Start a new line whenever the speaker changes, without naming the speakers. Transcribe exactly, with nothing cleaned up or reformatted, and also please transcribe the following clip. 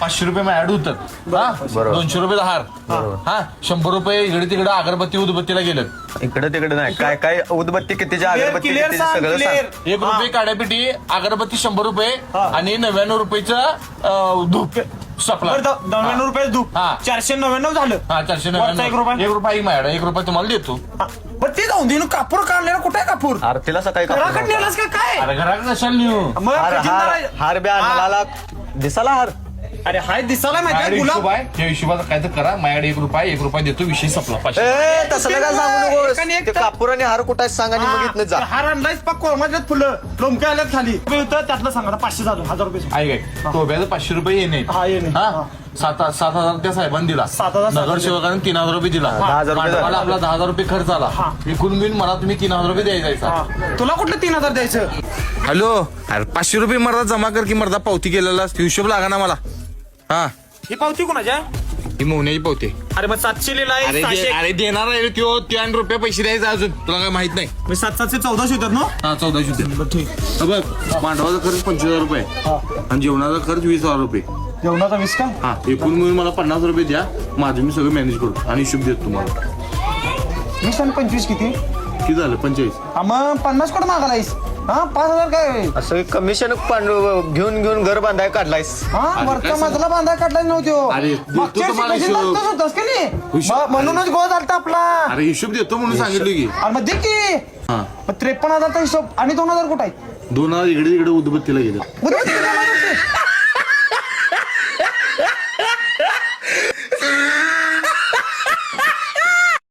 पाचशे रुपये ऍड होतात हा दोनशे रुपये हार हा शंभर रुपये इकडे तिकडे अगरबत्ती उदबत्तीला गेलं
इकडे तिकडे नाही काय काय उदबत्ती कितीची अगरबत्ती कितीची सगळं सांग.
एक रुपये काड्यापिटी अगरबत्ती शंभर रुपये आणि नव्याण्णव रुपयेचं धूप सपला
नव्याण्णव रुपये धूप
हा.
चारशे नव्याण्णव झालं
हा चारशे
वरचा
नव्याण्णव
एक रुपया?
एक रुपये मॅडम एक रुपये तुम्हाला देतो
हा. पण ते जाऊन दे कापूर काढलेला कुठे आहे कापूर
आरतीला सकाळी कापूर
घराकडे
नव्हता.
नेलास का काय
अरे घरात कशाला नेऊ
मग
हार
खजिनदार
हार
आहे.
हार बी आणला दिसाला हार
अरे हाय दिसायला माहिती
माझ्याकडे
गुलाब
हिशोब आहे त्या हिशोबाचा काय तर करा माझ्याकडे एक रुपया एक रुपया देतो विषय संपला पाचशे
ए तसलं काय सांगू
एकाने एक
नको ते
तर-
कापूर आणि हार कुठं आहे सांगा आणि मग इथनं जा.
हार आणलायच पक्क माझ्यात फुलं लोमक्या आल्यात खाली रुपये होतं त्यातलं सांगा पाचशे झालं हजार रुपये
आहे काय टोब्याचं पाचशे रुपये येणे
हा, येणे.
हा
हा.
सात सात हजार त्या साहेबांनी दिला
सात हजार सात
नगरसेवकाने तीन हजार रुपये दिला
दहा हजार रुपये
भांडवल
झाले.
आपला दहा हजार रुपये खर्च आला
हा.
एकूण मिळून मला तुम्ही तीन हजार रुपये द्यायचा
हा. तुला कुठलं तीन हजार द्यायचं
हॅलो अरे पाचशे रुपये मर्दा जमा कर की मर्दा पावती केलेला हिशोब लागा ना मला हा
ही पावती कोणाच्या
ही मोहण्याची पावती
अरे मग सातशे लिहिला
अरे
आहे
दे-
सहाशे
अरे देणार आहे त्यो तीन रुपये पैसे द्यायचे अजून तुला काय माहित नाही
म्हणजे सात सातशे चौदाशे होतात ना
हा चौदाशे रुपये
ठीक
हा बघ मांडवाचा खर्च पंचवीस हजार रुपये आणि जेवणाचा खर्च वीस हजार रुपये
जेवणाचा वीस का
हा एकूण मिळून मला पन्नास रुपये द्या माझं मी सगळं मॅनेज करतो आणि हिशोब देतो तुम्हाला
वीस आणि पंचवीस किती
किती झालं पंचेचाळीस
हा, मग पन्नास कोण मागालायस हा पाच हजार काय
असं कमिशन घेऊन घेऊन घर बांधाय काढलायस
हा
अरे
वरचा
काय
मजला बांधाय काढलाय नव्हतो
अरे, देतो
मागच्या
तुम्हाला
वर्षी
हिशोब.
तसंच होतंस का नाही
हिशोब.
मग म्हणूनच गोळ झालता आपला
अरे हिशोब देतो म्हणून सांगितलं की
अरे मग दे की
हा
मग त्रेपन्न हजारचा हिशोब आणि दोन हजार कुठं आहे
दोन हजार इकडे तिकडे उदबत्तीला गेलं
बरोबर